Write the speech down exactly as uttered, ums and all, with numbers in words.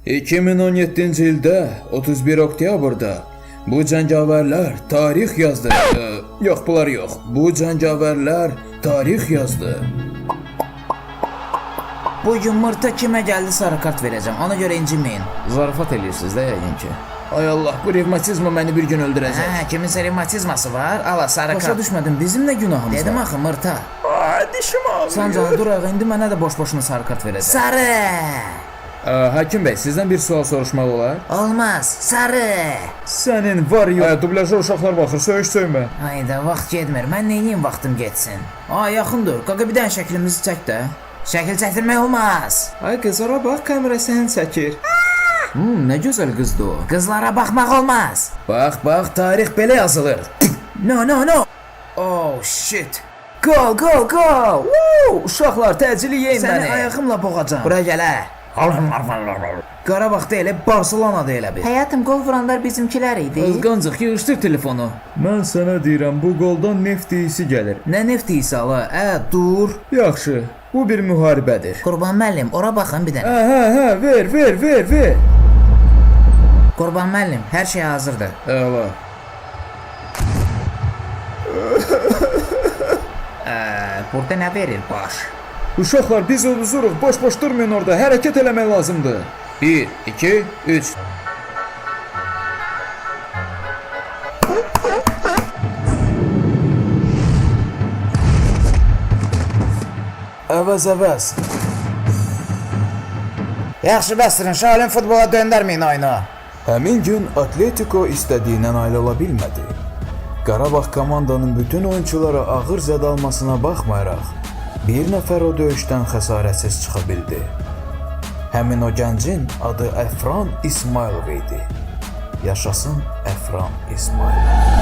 iki min on yeddinci ildə otuz bir oktyabrda bu cəngavərlər tarix yazdı. Ee, yox, bunlar yox. Bu cəngavərlər tarix yazdı. Bugün Mırta kimə gəldi sarı kart verəcəm, ona görə inciməyin. Zarafat edirsiniz də yəqin ki. Ay Allah, bu revmatizma məni bir gün öldürəcək. Hə, kiminsə revmatizması var, ala sarı kart. Başa düşmədim, bizim nə günahımız Dedim var? axı Mırta. Ay, dişim ağrıyor. Sancan dur ağa, indi mənə də boş-boşuna sarı kart verəcək. Sarı! Ə, Hakim bəy, sizdən bir sual soruşmaq olar? Olmaz, sarı! Sənin var yox. Ay, dublyajda uşaqlar baxır, söyüş söymə. Hayda, vaxt getmir, mən neyniyim vaxtım getsin? Ay, yaxın dur, qaqa bir dənə şəklimizi çək də. Şəkil çəkdirmək olmaz. Ay, qızlara bax, kamera səni çəkir. Hmm, nə gözəl qızdı o. Qızlara baxmaq olmaz. Bax, bax, tarix belə yazılır. No, no, no. Oh, shit. Go, go, go. Woo! Uşaqlar, təcili yeyin Səni məni. ayağımla boğacam. Bura gəl hə. Qarabağda elə, Barcelonada elə bir. Həyatım, qol vuranlar bizimkilər idi. Qızqancıq, yığışdır telefonu. Mən sənə deyirəm, bu qoldan neft iyisi gəlir. Nə neft iyisi ala? Ə, dur. Yaxşı, bu bir müharibədir. Qurban müəllim, ora baxın bir dənə. Hə, hə, hə, ver, ver, ver, ver. Qurban müəllim, hər şey hazırdır. Əla. Ə, burada nə verir baş? Uşaqlar, biz uzuruq, boş-boş durmayın orada, hərəkət eləmək lazımdır. bir, iki, üç. Əvəz, əvəz. Yaxşı bəsdirin, şalin futbola döndərməyin oyunu. Həmin gün Atletico istədiyindən ayrıla bilmədi. Qarabağ komandanın bütün oyunçulara ağır zədə almasına baxmayaraq, bir nəfər o döyüşdən xəsarətsiz çıxa bildi. Həmin o gəncin adı Əfran İsmailov idi. Yaşasın Əfran İsmailov.